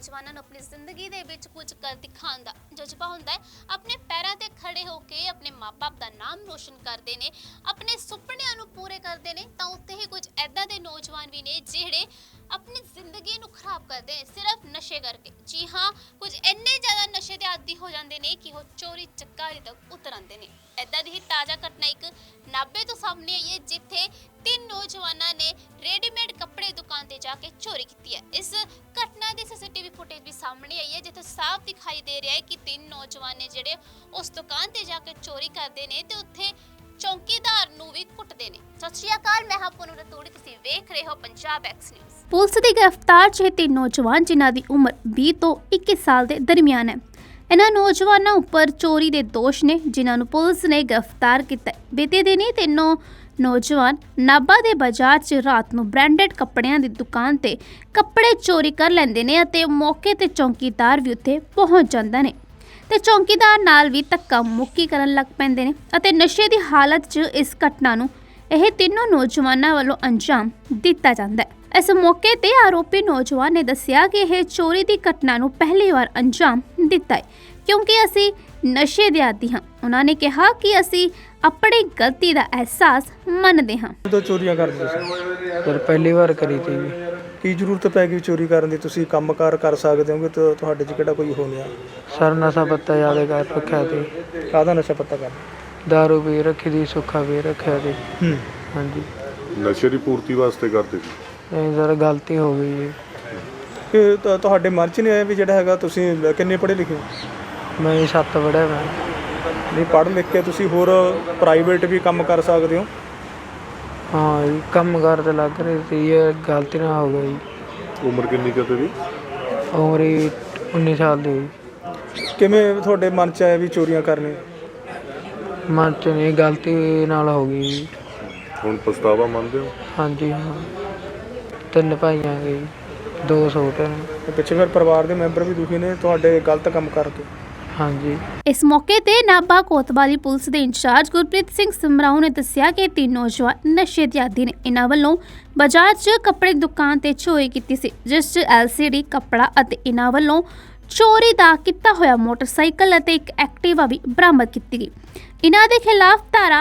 ਨੌਜਵਾਨਾਂ ਨੂੰ ਆਪਣੀ ਜ਼ਿੰਦਗੀ ਦੇ ਵਿੱਚ ਕੁਝ ਕਰ ਦਿਖਾਉਣ ਦਾ ਜਜ਼ਬਾ ਹੁੰਦਾ ਹੈ। ਆਪਣੇ ਪੈਰਾਂ ਤੇ ਖੜੇ ਹੋ ਕੇ ਆਪਣੇ ਮਾਪੇ ਦਾ ਨਾਮ ਰੋਸ਼ਨ ਕਰਦੇ ਨੇ, ਆਪਣੇ ਸੁਪਨਿਆਂ ਨੂੰ ਪੂਰੇ ਕਰਦੇ ਨੇ। ਤਾਂ ਉੱਥੇ ਹੀ ਕੁਝ ਐਦਾਂ ਦੇ ਨੌਜਵਾਨ ਵੀ ਨੇ ਜਿਹੜੇ ਆਪਣੀ ਜ਼ਿੰਦਗੀ ਨੂੰ ਖਰਾਬ ਕਰਦੇ ਨੇ ਸਿਰਫ ਨਸ਼ੇ ਕਰਕੇ। ਜੀ ਹਾਂ, ਕੁਝ ਇੰਨੇ ਜ਼ਿਆਦਾ ਨਸ਼ੇ ਦੇ ਆਦੀ ਹੋ ਜਾਂਦੇ ਨੇ ਕਿ ਉਹ ਚੋਰੀ ਚਕਾਰੀ ਤੱਕ ਉਤਰ ਆਉਂਦੇ ਨੇ। ਐਦਾਂ ਦੀ ਹੀ ਤਾਜ਼ਾ ਘਟਨਾ ਇੱਕ ਨਾਭੇ ਤੋਂ ਸਾਹਮਣੇ ਆਈ ਹੈ, ਜਿੱਥੇ 3 ਨੌਜਵਾਨਾਂ ਨੇ ਰੈਡੀਮੇਡ ਕੱਪੜੇ ਦੁਕਾਨ ਤੇ ਜਾ ਕੇ ਚੋਰੀ ਕੀਤੀ ਹੈ। ਇਸ ਘਟਨਾ ਦੀ ਸੀਸੀਟੀਵੀ ਫੁਟੇਜ ਵੀ ਸਾਹਮਣੇ ਆਈ ਹੈ, ਜਿੱਥੇ ਸਾਫ਼ ਦਿਖਾਈ ਦੇ ਰਿਹਾ ਹੈ ਕਿ 3 ਨੌਜਵਾਨ ਨੇ ਜਿਹੜੇ ਉਸ ਦੁਕਾਨ ਤੇ ਜਾ ਕੇ ਚੋਰੀ ਕਰਦੇ ਨੇ ਤੇ ਉੱਥੇ ਚੌਕੀਦਾਰ ਨੂੰ ਵੀ ਕੁੱਟਦੇ ਨੇ। ਸਤਿ ਸ਼੍ਰੀ ਅਕਾਲ, ਮੈਂ ਹਾਂ ਪੂਨਮ ਰਤੂੜੀ, ਤੁਸੀਂ ਵੇਖ ਰਹੇ ਹੋ ਪੰਜਾਬ ਐਕਸ ਨਿਊਜ਼। ਪੁਲਿਸ ਦੀ ਗ੍ਰਿਫਤਾਰ 'ਚ 3 ਨੌਜਵਾਨ ਜਿਨ੍ਹਾਂ ਦੀ ਉਮਰ 20 ਤੋਂ 21 ਸਾਲ ਦੇ ਦਰਮਿਆਨ ਹੈ। ਇਹਨਾਂ ਨੌਜਵਾਨਾਂ ਉੱਪਰ ਚੋਰੀ ਦੇ ਦੋਸ਼ ਨੇ, ਜਿਨ੍ਹਾਂ ਨੂੰ ਪੁਲਿਸ ਨੇ ਗ੍ਰਿਫਤਾਰ ਕੀਤਾ। ਬੀਤੇ ਦਿਨੀ ਤਿੰਨੋਂ ਨੌਜਵਾਨ ਨਾਭਾ ਦੇ ਬਾਜ਼ਾਰ 'ਚ ਰਾਤ ਨੂੰ ਬ੍ਰਾਂਡਡ ਕੱਪੜਿਆਂ ਦੀ ਦੁਕਾਨ ਤੇ ਕੱਪੜੇ ਚੋਰੀ ਕਰ ਲੈਂਦੇ ਨੇ ਅਤੇ ਮੌਕੇ ਤੇ ਚੌਕੀਦਾਰ ਵੀ ਉੱਥੇ ਪਹੁੰਚ ਜਾਂਦਾ ਨੇ ਤੇ ਚੌਕੀਦਾਰ ਨਾਲ ਵੀ ਧੱਕਾ ਮੁੱਕੀ ਕਰਨ ਲੱਗ ਪੈਂਦੇ ਨੇ ਅਤੇ ਨਸ਼ੇ ਦੀ ਹਾਲਤ 'ਚ ਇਸ ਘਟਨਾ ਨੂੰ ਇਹ ਤਿੰਨੋਂ ਨੌਜਵਾਨਾਂ ਵੱਲੋਂ ਅੰਜਾਮ ਦਿੱਤਾ ਜਾਂਦਾ ਹੈ। ਇਸ ਮੌਕੇ ਤੇ ਆਰੋਪੀ ਨੌਜਵਾਨ ਨੇ ਦੱਸਿਆ ਕਿ ਇਹ ਚੋਰੀ ਦੀ ਘਟਨਾ ਨੂੰ ਪਹਿਲੀ ਵਾਰ ਅੰਜਾਮ ਦਿੱਤਾ ਹੈ ਕਿਉਂਕਿ ਅਸੀਂ ਨਸ਼ੇ ਦੇ ਆਦੀ ਹਾਂ। ਉਹਨਾਂ ਨੇ ਕਿਹਾ ਕਿ ਅਸੀਂ ਆਪਣੀ ਗਲਤੀ ਦਾ ਅਹਿਸਾਸ ਮੰਨਦੇ ਹਾਂ। तो चोरियां करते ਸੀ ਸਰ ਪਹਿਲੀ ਵਾਰ ਕਰੀ ਤੀ ਜੀ। ਕੀ ਜ਼ਰੂਰਤ ਪੈ ਗਈ ਚੋਰੀ ਕਰਨ ਦੀ? ਤੁਸੀਂ ਕੰਮਕਾਰ ਕਰ ਸਕਦੇ ਹੋਗੇ ਤਾਂ ਤੁਹਾਡੇ 'ਚ ਕਿਹੜਾ ਕੋਈ ਹੋ ਗਿਆ? ਸਰ ਨਸ਼ਾ ਪੱਤਾ ਜ਼ਿਆਦਾ ਕਰ ਰੱਖਿਆ ਤੀ, ਕਾਹਦਾ ਨਸ਼ਾ ਪਤਾ ਕਰ? ਦਾਰੂ ਵੀ ਰੱਖੀ ਦੀ, ਸੁੱਖਾ ਵੀ ਰੱਖਿਆ ਤੀ। ਹਾਂਜੀ, ਨਸ਼ੇ ਦੀ ਪੂਰਤੀ ਵਾਸਤੇ ਕਰਦੇ ਸੀ। ਇਹ ਸਰ ਗਲਤੀ ਹੋ ਗਈ ਜੀ। ਕਿ ਤੁਹਾਡੇ ਮਨ 'ਚ ਨਹੀਂ ਆਇਆ ਵੀ ਜਿਹੜਾ ਹੈਗਾ ਤੁਸੀਂ ਕਿੰਨੇ ਪੜ੍ਹੇ ਲਿਖੇ ਹੋ? ਮੈਂ 7 ਵੜਿਆ ਮੈਂ। ਨਹੀਂ, ਪੜ੍ਹ ਲਿਖ ਕੇ ਤੁਸੀਂ ਹੋਰ ਪ੍ਰਾਈਵੇਟ ਵੀ ਕੰਮ ਕਰ ਸਕਦੇ ਹੋ। ਹਾਂ ਜੀ, ਕੰਮ ਕਾਰ ਤੇ ਲੱਗ ਰਹੀ ਸੀ, ਇਹ ਗਲਤੀ ਨਾਲ ਹੋ ਗਈ। ਉਮਰ ਕਿੰਨੀ ਕੁ ਤੇਰੀ? ਉਮਰ ਹੀ 19 ਸਾਲ ਦੀ ਹੋਈ। ਕਿਵੇਂ ਤੁਹਾਡੇ ਮਨ 'ਚ ਆਇਆ ਵੀ ਚੋਰੀਆਂ ਕਰਨੀਆਂ? ਮਨ 'ਚ ਨਹੀਂ, ਗਲਤੀ ਨਾਲ ਹੋ ਗਈ ਜੀ। ਹੁਣ ਪਛਤਾਵਾ ਮੰਨਦੇ ਹੋ? ਹਾਂਜੀ ਹਾਂ, 3 ਭਾਈਆਂ ਗਏ, 2 ਛੋਟੇ ਨੇ। ਤੇ ਪਿੱਛੇ ਫਿਰ ਪਰਿਵਾਰ ਦੇ ਮੈਂਬਰ ਵੀ ਦੁਖੀ ਨੇ ਤੁਹਾਡੇ ਗਲਤ ਕੰਮ ਕਰਕੇ। ਹਾਂਜੀ, ਇਸ ਮੌਕੇ ਤੇ ਨਾਭਾ ਕੋਤਵਾਲੀ ਪੁਲਿਸ ਦੇ ਇੰਚਾਰਜ ਗੁਰਪ੍ਰੀਤ ਸਿੰਘ ਸਮਰਾਓ ਨੇ ਦੱਸਿਆ ਕਿ 3 ਨੌਜਵਾਨ ਨਸ਼ੇ ਦੇ ਆਦੀ ਨੇ। ਇਹਨਾਂ ਵੱਲੋਂ ਬਾਜ਼ਾਰ 'ਚ ਕੱਪੜੇ ਦੀ ਦੁਕਾਨ ਤੇ ਚੋਰੀ ਕੀਤੀ ਸੀ, ਜਿਸ 'ਚ LCD ਕੱਪੜਾ ਅਤੇ ਇਹਨਾਂ ਵੱਲੋਂ ਚੋਰੀ ਦਾ ਕੀਤਾ ਹੋਇਆ ਮੋਟਰਸਾਈਕਲ ਅਤੇ ਇੱਕ ਐਕਟਿਵਾ ਵੀ ਬਰਾਮਦ ਕੀਤੀ ਗਈ। ਇਹਨਾਂ ਦੇ ਖਿਲਾਫ ਧਾਰਾ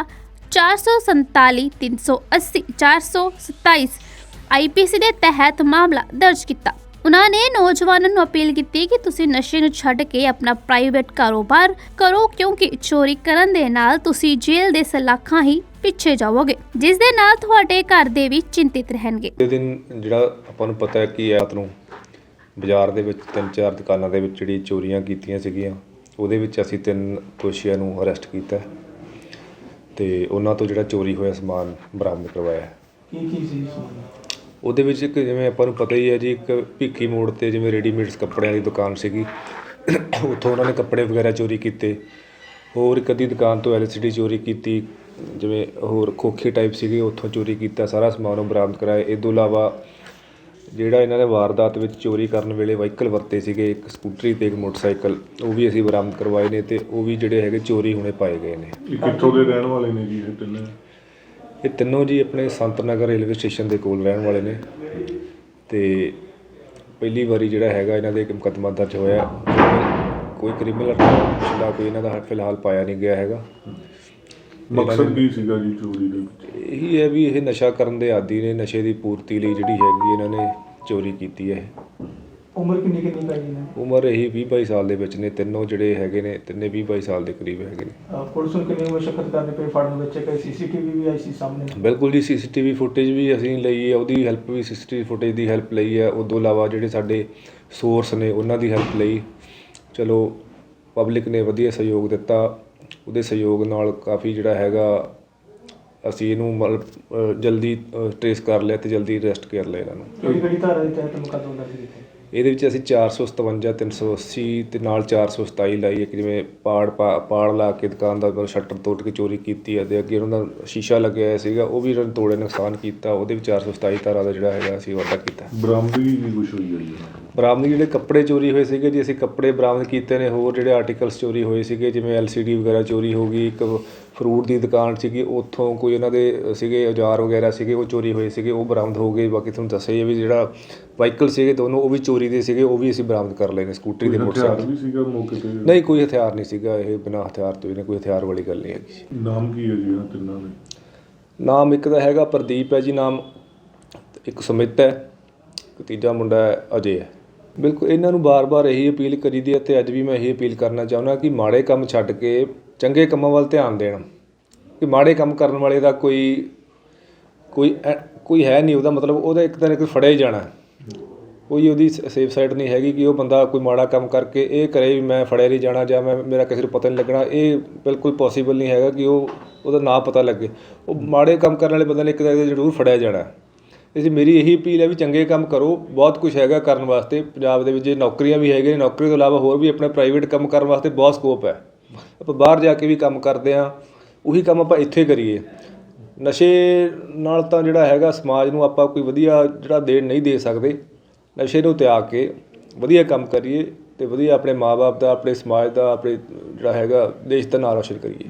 447, 380, 427 IPC ਦੇ ਤਹਿਤ ਮਾਮਲਾ ਦਰਜ ਕੀਤਾ। ਉਹਨਾਂ ਨੇ ਨੌਜਵਾਨਾਂ ਨੂੰ ਅਪੀਲ ਕੀਤੀ ਕਿ ਤੁਸੀਂ ਨਸ਼ੇ ਨੂੰ ਛੱਡ ਕੇ ਆਪਣਾ ਪ੍ਰਾਈਵੇਟ ਕਾਰੋਬਾਰ ਕਰੋ, ਕਿਉਂਕਿ ਚੋਰੀ ਕਰਨ ਦੇ ਨਾਲ ਤੁਸੀਂ ਜੇਲ੍ਹ ਦੇ ਸਲਾਖਾਂ ਹੀ ਪਿੱਛੇ ਜਾਵੋਗੇ, ਜਿਸ ਦੇ ਨਾਲ ਤੁਹਾਡੇ ਘਰ ਦੇ ਵੀ ਚਿੰਤਿਤ ਰਹਿਣਗੇ। ਇਹ ਦਿਨ ਜਿਹੜਾ ਆਪਾਂ ਨੂੰ ਪਤਾ ਹੈ ਕਿ ਰਾਤ ਨੂੰ ਬਾਜ਼ਾਰ ਦੇ ਵਿੱਚ 3-4 ਦੁਕਾਨਾਂ ਦੇ ਵਿੱਚ ਜਿਹੜੀ ਚੋਰੀਆਂ ਕੀਤੀਆਂ ਸੀਗੀਆਂ, ਉਹਦੇ ਵਿੱਚ ਅਸੀਂ 3 ਦੋਸ਼ੀਆਂ ਨੂੰ ਅਰੈਸਟ ਕੀਤਾ ਤੇ ਉਹਨਾਂ ਤੋਂ ਜਿਹੜਾ ਚੋਰੀ ਹੋਇਆ ਸਮਾਨ ਬਰਾਮਦ ਕਰਵਾਇਆ। ਕੀ ਸੀ? ਉਹਦੇ ਵਿੱਚ ਇੱਕ, ਜਿਵੇਂ ਆਪਾਂ ਨੂੰ ਪਤਾ ਹੀ ਹੈ ਜੀ, ਇੱਕ ਭਿੱਖੀ ਮੋੜ ਤੇ ਜਿਵੇਂ ਰੈਡੀਮੇਡਸ ਕੱਪੜਿਆਂ ਦੀ ਦੁਕਾਨ ਸੀਗੀ, ਉੱਥੋਂ ਉਹਨਾਂ ਨੇ ਕੱਪੜੇ ਵਗੈਰਾ ਚੋਰੀ ਕੀਤੇ। ਹੋਰ ਇੱਕ ਅੱਧੀ ਦੁਕਾਨ ਤੋਂ LCD ਚੋਰੀ ਕੀਤੀ, ਜਿਵੇਂ ਹੋਰ ਖੋਖੇ ਟਾਈਪ ਸੀਗੇ, ਉੱਥੋਂ ਚੋਰੀ ਕੀਤਾ। ਸਾਰਾ ਸਮਾਨ ਉਹ ਬਰਾਮਦ ਕਰਾਇਆ। ਇਹ ਤੋਂ ਇਲਾਵਾ ਜਿਹੜਾ ਇਹਨਾਂ ਨੇ ਵਾਰਦਾਤ ਵਿੱਚ ਚੋਰੀ ਕਰਨ ਵੇਲੇ ਵਹੀਕਲ ਵਰਤੇ ਸੀਗੇ, ਇੱਕ ਸਕੂਟਰੀ ਤੇ ਇੱਕ ਮੋਟਰਸਾਈਕਲ, ਉਹ ਵੀ ਅਸੀਂ ਬਰਾਮਦ ਕਰਵਾਏ ਨੇ ਤੇ ਉਹ ਵੀ ਜਿਹੜੇ ਹੈਗੇ ਚੋਰੀ ਹੋਣੇ ਪਾਏ ਗਏ ਨੇ। ਇਹ ਕਿੱਥੋਂ ਦੇ ਰਹਿਣ ਵਾਲੇ ਨੇ ਜੀ ਇਹ ਤਿੰਨੇ? ਇਹ ਤਿੰਨੋਂ ਜੀ ਆਪਣੇ ਸੰਤ ਨਗਰ ਰੇਲਵੇ ਸਟੇਸ਼ਨ ਦੇ ਕੋਲ ਰਹਿਣ ਵਾਲੇ ਨੇ ਤੇ ਪਹਿਲੀ ਵਾਰੀ ਜਿਹੜਾ ਹੈਗਾ ਇਹਨਾਂ ਦੇ ਇੱਕ ਮੁਕੱਦਮਾ ਦਰਜ ਹੋਇਆ। ਕੋਈ ਕ੍ਰਿਮੀਨਲ ਪਿਛਲਾ ਕੋਈ ਇਹਨਾਂ ਦਾ ਫਿਲਹਾਲ ਪਾਇਆ ਨਹੀਂ ਗਿਆ ਹੈਗਾ। ਮਕਸਦ ਕੀ ਸੀਗਾ ਜੀ ਚੋਰੀ ਦੇ ਵਿੱਚ? ਇਹੀ ਹੈ ਵੀ ਇਹ ਨਸ਼ਾ ਕਰਨ ਦੇ ਆਦੀ ਨੇ, ਨਸ਼ੇ ਦੀ ਪੂਰਤੀ ਲਈ ਜਿਹੜੀ ਹੈਗੀ ਇਹਨਾਂ ਨੇ ਚੋਰੀ ਕੀਤੀ ਹੈ। ਉਮਰ ਕਿੰਨੀ ਪੈ ਗਈ ਨੇ? ਉਮਰ ਇਹੀ 20-22 ਸਾਲ ਦੇ ਵਿੱਚ ਨੇ। ਤਿੰਨੋਂ ਜਿਹੜੇ ਹੈਗੇ ਨੇ, ਤਿੰਨੇ 20-22 ਸਾਲ ਦੇ ਕਰੀਬ ਹੈਗੇ ਨੇ। ਪੁਲਿਸ ਨੂੰ ਕਿੰਨੀ ਮੁਸ਼ਕਲ ਕਰਨੀ ਪਈ ਫੜਨ ਵਿੱਚ? ਕੋਈ CCTV ਵੀ ਆਈ ਸੀ ਸਾਹਮਣੇ? ਬਿਲਕੁਲ ਜੀ, CCTV ਫੁਟੇਜ ਵੀ ਅਸੀਂ ਲਈ ਹੈ, ਉਹਦੀ ਹੈਲਪ ਵੀ CCTV ਫੁਟੇਜ ਦੀ ਹੈਲਪ ਲਈ ਹੈ। ਉਹ ਤੋਂ ਇਲਾਵਾ ਜਿਹੜੇ ਸਾਡੇ ਸੋਰਸ ਨੇ ਉਹਨਾਂ ਦੀ ਹੈਲਪ ਲਈ। ਚਲੋ ਪਬਲਿਕ ਨੇ ਵਧੀਆ ਸਹਿਯੋਗ ਦਿੱਤਾ, ਉਹਦੇ ਸਹਿਯੋਗ ਨਾਲ ਕਾਫੀ ਜਿਹੜਾ ਹੈਗਾ ਅਸੀਂ ਇਹਨੂੰ ਜਲਦੀ ਟਰੇਸ ਕਰ ਲਿਆ ਤੇ ਜਲਦੀ ਅਰੈਸਟ ਕਰ ਲਿਆ ਇਹਨਾਂ ਨੂੰ। ਕਿਹੜੀ ਧਾਰਾ ਦੇ ਤਹਿਤ ਮੁਕੱਦਮਾ ਦਰਜ ਕੀਤਾ? ਇਹਦੇ ਵਿੱਚ ਅਸੀਂ 457, 380 ਤੇ ਨਾਲ 427 ਲਾਈ ਹੈ ਕਿ ਜਿਵੇਂ ਪਾੜ ਲਾ ਕੇ ਦੁਕਾਨ ਦਾ ਸ਼ਟਰ ਤੋੜ ਕੇ ਚੋਰੀ ਕੀਤੀ ਹੈ ਤੇ ਅੱਗੇ ਉਹਨਾਂ ਦਾ ਸ਼ੀਸ਼ਾ ਲੱਗਿਆ ਹੋਇਆ ਸੀਗਾ, ਉਹ ਵੀ ਉਹਨਾਂ ਨੇ ਤੋੜੇ, ਨੁਕਸਾਨ ਕੀਤਾ। ਉਹਦੇ ਵਿੱਚ 427 ਧਾਰਾ ਦਾ ਜਿਹੜਾ ਹੈਗਾ ਅਸੀਂ ਵਾਧਾ ਕੀਤਾ। ਬਰਾਮਦਗੀ ਵੀ ਕੁਛ ਹੋਈ ਹੈ ਜੀ? ਬਰਾਮਦਗੀ ਜਿਹੜੇ ਕੱਪੜੇ ਚੋਰੀ ਹੋਏ ਸੀਗੇ ਜੀ, ਅਸੀਂ ਕੱਪੜੇ ਬਰਾਮਦ ਕੀਤੇ ਨੇ। ਹੋਰ ਜਿਹੜੇ ਆਰਟੀਕਲਸ ਚੋਰੀ ਹੋਏ ਸੀਗੇ, ਜਿਵੇਂ LCD ਵਗੈਰਾ ਚੋਰੀ ਹੋ ਗਈ, ਇੱਕ ਫਰੂਟ ਦੀ ਦੁਕਾਨ ਸੀਗੀ, ਉੱਥੋਂ ਕੋਈ ਉਹਨਾਂ ਦੇ ਸੀਗੇ ਔਜ਼ਾਰ ਵਗੈਰਾ ਸੀਗੇ, ਉਹ ਚੋਰੀ ਹੋਏ ਸੀਗੇ, ਉਹ ਬਰਾਮਦ ਹੋ ਗਏ। ਬਾਕੀ ਤੁਹਾਨੂੰ ਦੱਸਿਆ ਹੀ ਹੈ ਵੀ ਜਿਹੜਾ ਵਾਹੀਕਲ ਸੀਗੇ ਦੋਨੋਂ, ਉਹ ਵੀ ਚੋਰੀ ਦੇ ਸੀਗੇ, ਉਹ ਵੀ ਅਸੀਂ ਬਰਾਮਦ ਕਰ ਲਏ ਨੇ। ਸਕੂਟਰੀ ਦੇ ਹਥਿਆਰ ਮੋਟਰਸਾਈਕਲ ਵੀ ਸੀਗਾ ਮੌਕੇ ਤੇ? ਨਹੀਂ, ਕੋਈ ਹਥਿਆਰ ਨਹੀਂ ਸੀਗਾ। ਇਹ ਬਿਨਾਂ ਹਥਿਆਰ ਤੋਂ ਇਹਨੇ ਕੋਈ ਹਥਿਆਰ ਵਾਲੀ ਗੱਲ ਨਹੀਂ ਹੈਗੀ। ਨਾਮ ਕੀ ਹੈ ਜੀ ਇਹਨਾਂ ਤਿੰਨਾਂ ਦੇ? ਨਾਮ ਇੱਕ ਦਾ ਹੈਗਾ ਪ੍ਰਦੀਪ ਹੈ ਜੀ ਨਾਮ, ਇੱਕ ਸੁਮਿਤ ਹੈ, ਇੱਕ ਤੀਜਾ ਮੁੰਡਾ ਹੈ ਅਜੇ ਹੈ। ਬਿਲਕੁਲ ਇਹਨਾਂ ਨੂੰ ਬਾਰ-ਬਾਰ ਇਹੀ ਅਪੀਲ ਕਰੀ ਦੀ ਹੈ ਅਤੇ ਅੱਜ ਵੀ ਮੈਂ ਇਹੀ ਅਪੀਲ ਕਰਨਾ ਚਾਹੁੰਦਾ ਕਿ ਮਾੜੇ ਕੰਮ ਛੱਡ ਕੇ ਚੰਗੇ ਕੰਮਾਂ ਵੱਲ ਧਿਆਨ ਦੇਣ। ਕਿ ਮਾੜੇ ਕੰਮ ਕਰਨ ਵਾਲੇ ਦਾ ਕੋਈ ਹੈ ਨਹੀਂ, ਉਹਦਾ ਮਤਲਬ ਉਹਦਾ ਇੱਕ ਤਾਂ ਇੱਕ ਫੜਿਆ ਹੀ ਜਾਣਾ। ਕੋਈ ਉਹਦੀ ਸੇਫ ਸਾਈਡ ਨਹੀਂ ਹੈਗੀ ਕਿ ਉਹ ਬੰਦਾ ਕੋਈ ਮਾੜਾ ਕੰਮ ਕਰਕੇ ਇਹ ਕਰੇ ਵੀ ਮੈਂ ਫੜਿਆ ਨਹੀਂ ਜਾਣਾ ਜਾਂ ਮੇਰਾ ਕਿਸੇ ਨੂੰ ਪਤਾ ਨਹੀਂ ਲੱਗਣਾ। ਇਹ ਬਿਲਕੁਲ ਪੋਸੀਬਲ ਨਹੀਂ ਹੈਗਾ ਕਿ ਉਹਦਾ ਨਾਂ ਪਤਾ ਲੱਗੇ। ਉਹ ਮਾੜੇ ਕੰਮ ਕਰਨ ਵਾਲੇ ਬੰਦੇ ਨੇ ਇੱਕ ਤਾਂ ਜ਼ਰੂਰ ਫੜਿਆ ਜਾਣਾ। ਇਸ ਲਈ ਮੇਰੀ ਇਹੀ ਅਪੀਲ ਹੈ ਵੀ ਚੰਗੇ ਕੰਮ ਕਰੋ। ਬਹੁਤ ਕੁਛ ਹੈਗਾ ਕਰਨ ਵਾਸਤੇ ਪੰਜਾਬ ਦੇ ਵਿੱਚ, ਨੌਕਰੀਆਂ ਵੀ ਹੈਗੀਆਂ, ਨੌਕਰੀ ਤੋਂ ਇਲਾਵਾ ਹੋਰ ਵੀ ਆਪਣਾ ਪ੍ਰਾਈਵੇਟ ਕੰਮ ਕਰਨ ਵਾਸਤੇ ਬਹੁਤ ਸਕੋਪ ਹੈ। ਆਪਾਂ ਬਾਹਰ ਜਾ ਕੇ ਵੀ ਕੰਮ ਕਰਦੇ ਹਾਂ, ਉਹੀ ਕੰਮ ਆਪਾਂ ਇੱਥੇ ਕਰੀਏ। ਨਸ਼ੇ ਨਾਲ ਤਾਂ ਜਿਹੜਾ ਹੈਗਾ ਸਮਾਜ ਨੂੰ ਆਪਾਂ ਕੋਈ ਵਧੀਆ ਜਿਹੜਾ ਨਹੀਂ ਦੇ ਸਕਦੇ। ਨਸ਼ੇ ਨੂੰ ਤਿਆਗ ਕੇ ਵਧੀਆ ਕੰਮ ਕਰੀਏ ਅਤੇ ਵਧੀਆ ਆਪਣੇ ਮਾਂ ਬਾਪ ਦਾ, ਆਪਣੇ ਸਮਾਜ ਦਾ, ਆਪਣੇ ਜਿਹੜਾ ਹੈਗਾ ਦੇਸ਼ ਦਾ ਨਾਂ ਰੌਸ਼ਨ ਕਰੀਏ।